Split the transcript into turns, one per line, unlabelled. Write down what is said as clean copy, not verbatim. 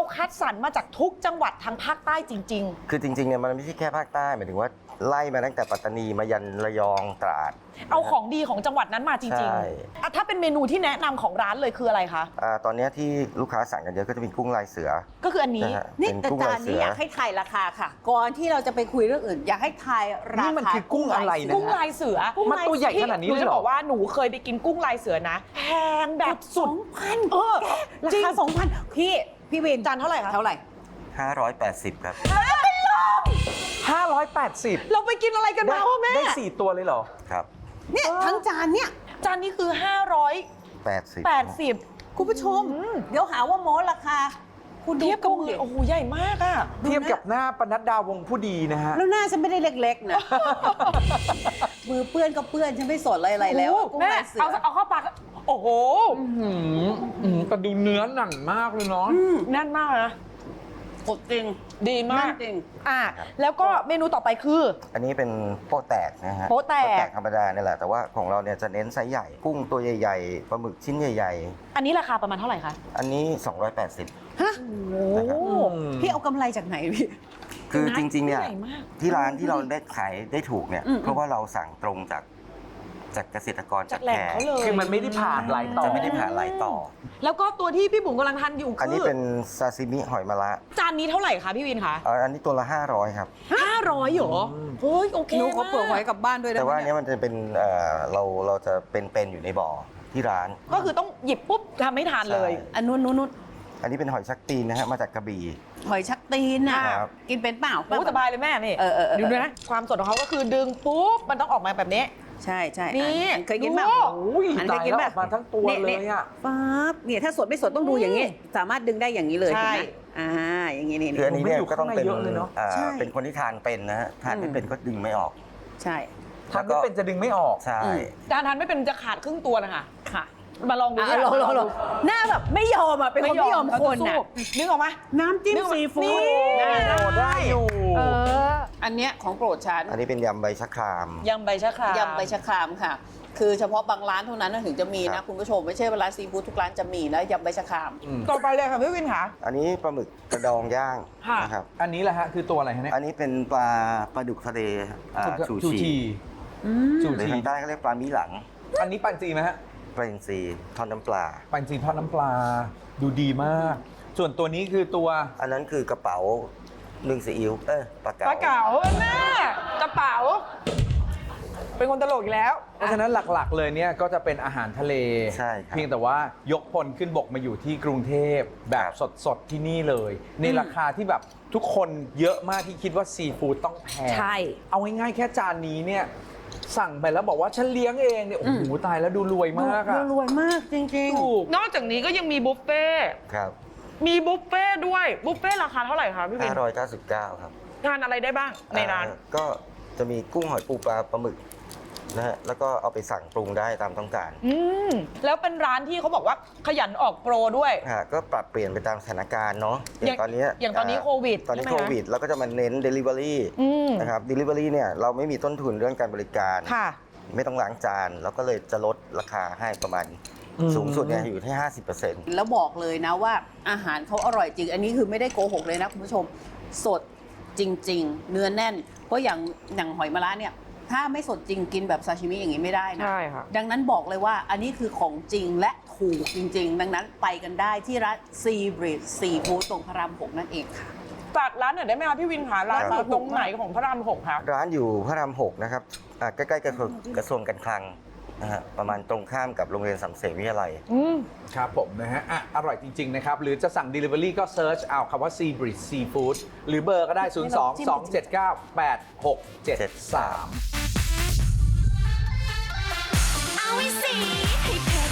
คัดสรรมาจากทุกจังหวัดทางภาคใต้จริง
คือจริงๆเนี่ยมันไม่ใช่แค่ภาคใต้หมายถึงว่าไล่มาตั้งแต่ปัตตานีมายันระยองตราด
ๆ เอาของดีของจังหวัดนั้นมาจริง
ใช่
ๆถ้าเป็นเมนูที่แนะนำของร้านเลยคืออะไรคะ
ตอนนี้ที่ลูกค้าสั่งกันเยอะก็จะเป็นกุ้งลายเสือ
ก็คืออันนี้
นะฮะ
นี่
เป็น
แต่
กุ้ง
จา
ลาน ยเสื
นี้
อ
อยากให้ทายราคาค่ะ ก่อนที่เราจะไปคุยเรื่องอื่น อยากให้ทายรา
นี่
คา
มันคือกุ้งอะไรนะ
กุ้งลายเสือ
มันตัวใหญ่ขนาดนี้
หนู
เลย
จะ
เหร
บ
อ
อกว่าหนูเคยไปกินกุ้งลายเสือนะแพงแบบสุด
2,000
เออ
รา
จริง
คา 2,000 พี่วิน
จานเท่าไหร่คะ
เท่าไหร่
580 ครับ
580
เราไปกินอะไรกันมาวะแม่
ได้4ตัวเลยเหรอ
ครับ
เนี่ยทั้งจานเนี่ย
จานนี้คือ
80
580
คุณผู้ชม เดี๋ยวหาว่าโม้ราคา คุณดู
เทียบกับ
กุ้ง
มื
ดิ
อโอ้โหใหญ่มากอ่ะ
เทียบกับหน้าปนัดดาวงผู้ดีนะฮะ
แล้วหน้าฉันไม่ได้เล็กๆนะ มือเปื้อนก็เปื้อนฉันไม่สนอะไรแล้ว
โอ้โห
กุ้ง
แม่
ลายเสือ
เอาเข้าปากโอ้โห
แต่ดูเนื้อหนังมากเลยเนาะ
แน่นมากนะ
กดจริง
ดีมาก
แน่นจริง
อ่ะแล้วก็เมนูต่อไปคือ
อันนี้เป็นโป๊ะแตกนะฮะ
โป๊ะแตก
ธรรมดาเนี่ยแหละ แต่ว่าของเราเนี่ยจะเน้นไซส์ใหญ่ กุ้งตัวใหญ่ๆ ปลาหมึกชิ้นใหญ่
อันนี้ราคาประมาณเท่าไหร่คะ
ๆ อันนี้ 280
ฮะ
โอ้
นะครับ
พี่เอากำไรจากไหนพี่
คือจริงๆเนี่ย
ใหญ่มาก
ที่ร้านที่เราได้ขายได้ถูกเนี่ย
อืม
เพราะว่าเราสั่งตรงจากเกษตรกร
จากแหล่งเขาเลย
คือมันไม่ได้ผ่านหลายต่อ
จะไม่ได้ผ่านหลายต่อ
แล้วก็ตัวที่พี่บุ๋มกำลังทานอยู่
อัน
คื
นี้
อ
เป็นซาซิมิหอยมะระ
จานนี้เท่าไหร่คะพี่วินคะ
อันนี้ตัวละ 500 ครับ
500เหรอเฮ้ยโอเค
หนูขอเปิดไว้
มาก
กลับบ้านด้วยได้
แต่
ไหม
ว่าอัน
เนี่
นี้
ย
มันจะเป็นเราจะเป็นอยู่ในบ่อที่ร้าน
ก็คือต้องหยิบปุ๊บทำให้ทานเลย
ใช่
อันนู้น
อันนี้เป็นหอยชักตีนนะฮะมาจากกระบี่
หอยชักตีนน่ะ
ครับ
กินเป็นเปล่า
โอ้สบายเลยแม่นี่
เออ
ดูด้วยนะ ความสดของเขาก็คือดึงปุ๊บ มันต้องออกมาแบบนี้
ใช่ใช่
นี่
เคยกินเปล่า
ดู
อุ้ย
อัน
ตา
เค
ย
ยกิน
แล้ว
เป
อ
ล่า
อกมาทั้งตัวเลยอ่ะ
ฟ้าบเนี่ยถ้าสดไม่สดต้องดูอย่างนี้ สามารถดึงได้อย่างนี้เลย
ใช่
เห็นไหมอย่างนี้นี่
คืออันนี้เนี่ยก็ต้องเป็น
มันอยู่ข้างในเยอะเลยเนอะ
ใช่
เป็นคนที่ทานเป็นนะฮะทานไม่เป็นก็ดึงไม่ออก
ใช่
ทำไม่เป็นจะดึงไม่ออก
ใช่
จานทานไม่เป็นจะขาดครึ่งตัวนะคะ
ค่ะ
มาลองดู
ลองหน้าแบบไม่ยอมอ่ะเป็นคนไม่ยอมคน
เราจะ
อ่ะ
สู้นึกออกไหม
น้ำจิ้ม
นี่
ซีฟู้ด
นี่
โอ้ได้อยู่
เออ
อันเนี้ยของโปรดฉัน
อันนี้เป็นยำใบชะคราม
ยำใบชะคราม
ยำใบชะครามค่ะ คือเฉพาะบางร้านเท่านั้นถึงจะมี
ครั
นะ
บ
คุณผู้ชมไม่ใช่เวลาซีฟู้ดทุกร้านจะมีนะยำใบชะคราม
ต่อไปเลยค่ะพี่วินค่ะ
อันนี้ปลาหมึกกระดองย่าง
ค่ะ
นะครับ
อันนี้แหละฮะคือตัวอะไรฮะเนี่ย
อันนี้เป็นปลาดุกทะเลชูชี
ชู
หรือ
ชี
ทางใต้เขาเรียกปลามีหลัง
อันนี้ปันจีไหมฮะ
ปลาอินทรีทอดน้ำปลา
ปันจีทอดน้ำปลาดูดีมาก ส่วนตัวนี้คือตัว
อันนั้นคือกระเป๋านึ่งซีอิ๊วปลาเก๋า
ปลาเก๋าแม่กระเป๋า เป็นคนตลกอีกแล้ว
เพราะฉะนั้นหลักๆเลยเนี่ยก็จะเป็นอาหารทะเล
ใช่ครับ
เพียงแต่ว่ายกพลขึ้นบกมาอยู่ที่กรุงเทพแบบสดๆที่นี่เลย ในราคาที่แบบทุกคนเยอะมากที่คิดว่าซีฟู้ดต้องแพง
ใช่
เอาง่ายๆแค่จานนี้เนี่ยสั่งไปแล้วบอกว่าฉันเลี้ยงเองเนี่ยโอ้โหตายแล้วดูรวยมากอะ
รวยมากจริง
ถูก
นอกจากนี้ก็ยังมีบุฟเฟ่ต์
ครับ
มีบุฟเฟ่ต์ด้วย บุฟเฟ่ต์ราคาเท่าไหร่คะพี่วิน
599 ครับ
ทานอะไรได้บ้างในร้าน
ก็จะมีกุ้งหอยปูปลาปลาหมึกนะฮะแล้วก็เอาไปสั่งปรุงได้ตามต้องการ
แล้วเป็นร้านที่เขาบอกว่าขยันออกโปรด้วย
ก็ปรับเปลี่ยนไปตามสถานการณ์เนาะอย่างตอนนี้
อย่างตอนนี้โควิด
ตอนนี้
ใช่ไหม
โควิดเราก็จะมาเน้น Delivery นะครับ Delivery เนี่ยเราไม่มีต้นทุนเรื่องการบริการ
ค่ะ
ไม่ต้องล้างจานเราก็เลยจะลดราคาให้ประมาณสูงสุดเนี่ยอยู่ที่ 50%
ๆ แล้วบอกเลยนะว่าอาหารเขาอร่อยจริง อันนี้คือไม่ได้โกหกเลยนะคุณผู้ชมสดจริง ๆ เนื้อแน่น เพราะอย่างหอยมะระเนี่ยถ้าไม่สดจริงกินแบบซาชิมิอย่างนี้ไม่ได้นะ
ใช่ค่ะ
ดังนั้นบอกเลยว่าอันนี้คือของจริงและถูกจริง ๆ ดังนั้นไปกันได้ที่ร้านซีบริดซีฟู้ดตรงพระราม 6 นั่นเองค่ะ
จัดร้านหน่อยได้ไหมคะพี่วินคะร้านอยู่ตรงไหนของพระราม 6คะ
ร้านอยู่พระราม 6 นะครับใกล้ๆกับกระทรวงการคลังนะฮะประมาณตรงข้ามกับโรงเรียนสำเสนวิทยาลัย
ครับผมนะฮะอร่อยจริง ๆ นะครับ หรือจะสั่ง Delivery ก็เซิร์ชเอาคำว่า Sea Breeze Seafood หรือเบอร์ก็ได้ 02-279-8673
เอาไว้สิให้เธอ